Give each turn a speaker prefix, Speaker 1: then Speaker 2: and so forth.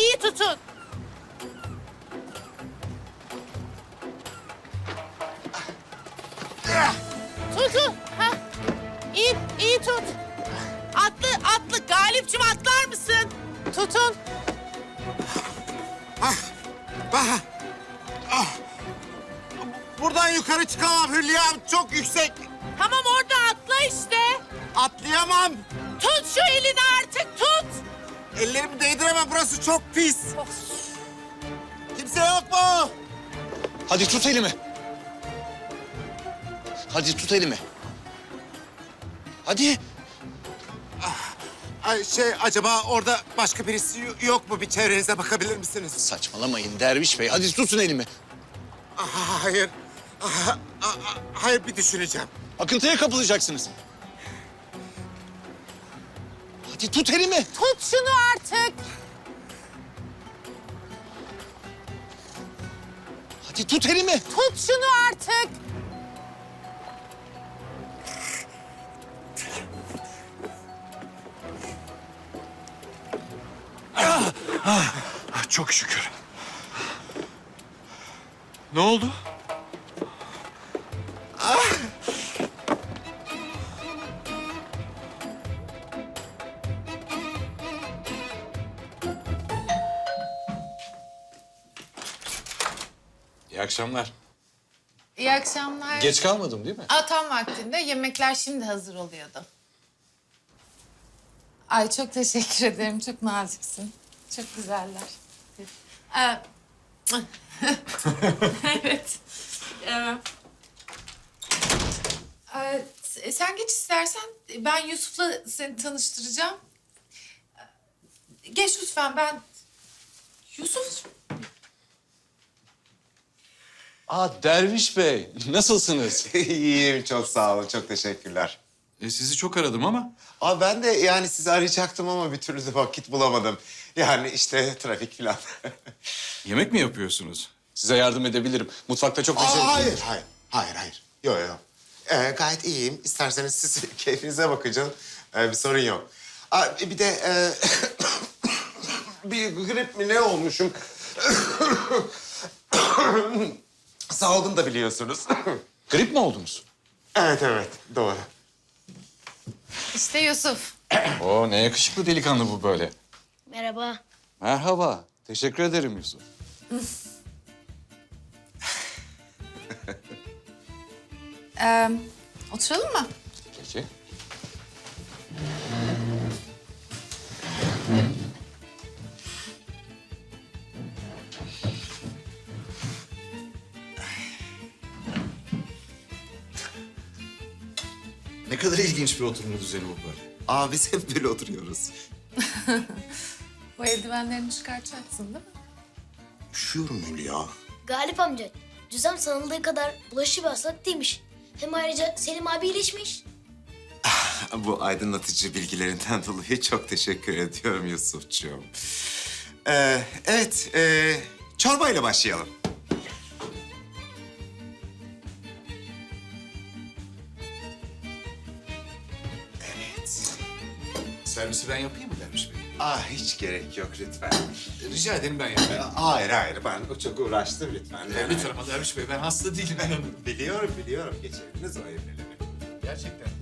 Speaker 1: iyi tutun. Tutun. Ha. İyi tut. Atlı. Galipciğim atlar mısın? Tutun.
Speaker 2: Buradan yukarı çıkamam Hülya'm. Çok yüksek.
Speaker 1: Tamam orada atla işte.
Speaker 2: Atlayamam.
Speaker 1: Tut şu elini artık tut.
Speaker 2: Ellerimi değdiremem. Burası çok pis. Kimse yok mu?
Speaker 3: Hadi tut elimi. Hadi tut elimi. Hadi.
Speaker 2: Ay acaba orada başka birisi yok mu? Bir çevrenize bakabilir misiniz?
Speaker 3: Saçmalamayın Derviş Bey. Hadi tutun elimi.
Speaker 2: Hayır. Hayır, bir düşüneceğim.
Speaker 3: Akıntıya kapılacaksınız. Hadi tut elimi.
Speaker 1: Tut şunu artık.
Speaker 3: Hadi tut elimi.
Speaker 1: Tut şunu artık.
Speaker 3: Çok şükür. Ne oldu?
Speaker 4: İyi akşamlar.
Speaker 5: İyi akşamlar.
Speaker 4: Geç kalmadım değil mi?
Speaker 5: Tam vaktinde. Yemekler şimdi hazır oluyordu. Ay çok teşekkür ederim. Çok naziksin. Çok güzeller. Evet. Sen geç istersen. Ben Yusuf'la seni tanıştıracağım. Geç lütfen ben... Yusuf...
Speaker 4: Derviş Bey, nasılsınız?
Speaker 2: İyiyim, çok sağ olun. Çok teşekkürler.
Speaker 4: Sizi çok aradım ama.
Speaker 2: Ben de yani sizi arayacaktım ama bir türlü de vakit bulamadım. Yani işte trafik falan.
Speaker 4: Yemek mi yapıyorsunuz? Size yardım edebilirim. Mutfakta çok
Speaker 2: Hayır. Yok. Gayet iyiyim. İsterseniz siz keyfinize bakın canım. Bir sorun yok. Bir de bir grip mi ne olmuşum? Salgın da biliyorsunuz.
Speaker 4: Grip mi oldunuz?
Speaker 2: Evet, doğru.
Speaker 5: İşte Yusuf.
Speaker 4: Ne yakışıklı delikanlı bu böyle.
Speaker 6: Merhaba.
Speaker 4: Merhaba. Teşekkür ederim Yusuf.
Speaker 5: Oturalım mı?
Speaker 4: Peki. Ne kadar ilginç bir oturma düzeni bu böyle.
Speaker 2: Biz hep böyle oturuyoruz.
Speaker 5: Bu eldivenlerini çıkartacaksın değil mi?
Speaker 2: Üşüyorum Hülya.
Speaker 6: Galip amca, cüzem sanıldığı kadar bulaşıcı bir hastalık değilmiş. Hem ayrıca Selim abi iyileşmiş.
Speaker 2: Bu aydınlatıcı bilgilerinden dolayı çok teşekkür ediyorum Yusuf'cuğum. Evet, çorbayla başlayalım. Evet.
Speaker 4: Servisi ben yapayım mı Derviş Bey?
Speaker 2: Hiç gerek yok lütfen.
Speaker 4: Rica ederim ben yapayım.
Speaker 2: Hayır, ben çok uğraştım lütfen.
Speaker 4: Lütfen ama Derviş Bey ben hasta değilim inanın.
Speaker 2: Biliyorum, geçebiliriz o evliliği.
Speaker 4: Gerçekten.